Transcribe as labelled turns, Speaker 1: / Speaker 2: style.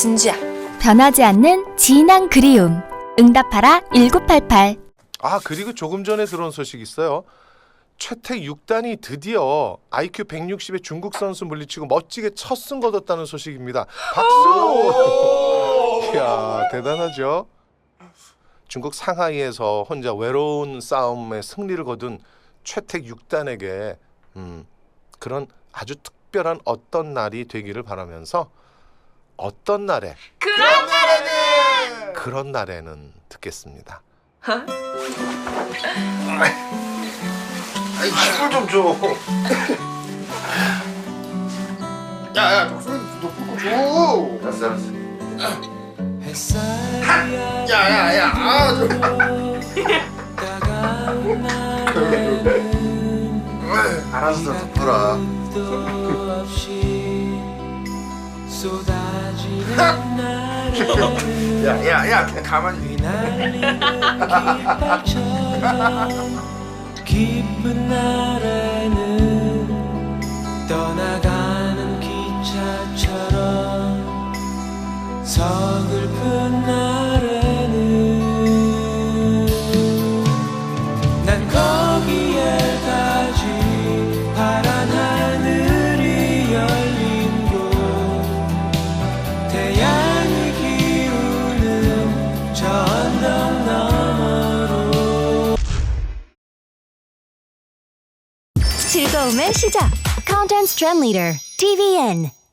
Speaker 1: 진주야.
Speaker 2: 변하지 않는 진한 그리움. 응답하라 1988.
Speaker 3: 아, 그리고 조금 전에 들어온 소식이 있어요. 최택 6단이 드디어 IQ 160의 중국 선수 물리치고 멋지게 첫 승 거뒀다는 소식입니다. 박수! 이야, 대단하죠? 중국 상하이에서 혼자 외로운 싸움에 승리를 거둔 최택 6단에게 그런 아주 특별한 어떤 날이 되기를 바라면서 어떤 날에 그런 날에는 듣겠습니다. 아이, 힘을 좀 줘. 야야, 목소리 높고 줘. 알았어. 야야야, 아, 좀. 알았어, 덮어라. 야야야, 그냥 가만히.
Speaker 4: 깊은 날에는 떠나가는 기차처럼 서글픈 날에는 난 거기에 가지 파란 하늘이 열린 곳 태양이 기우는 저 언덕 너머로
Speaker 2: 즐거움의 시작. Content Trend Leader TVN.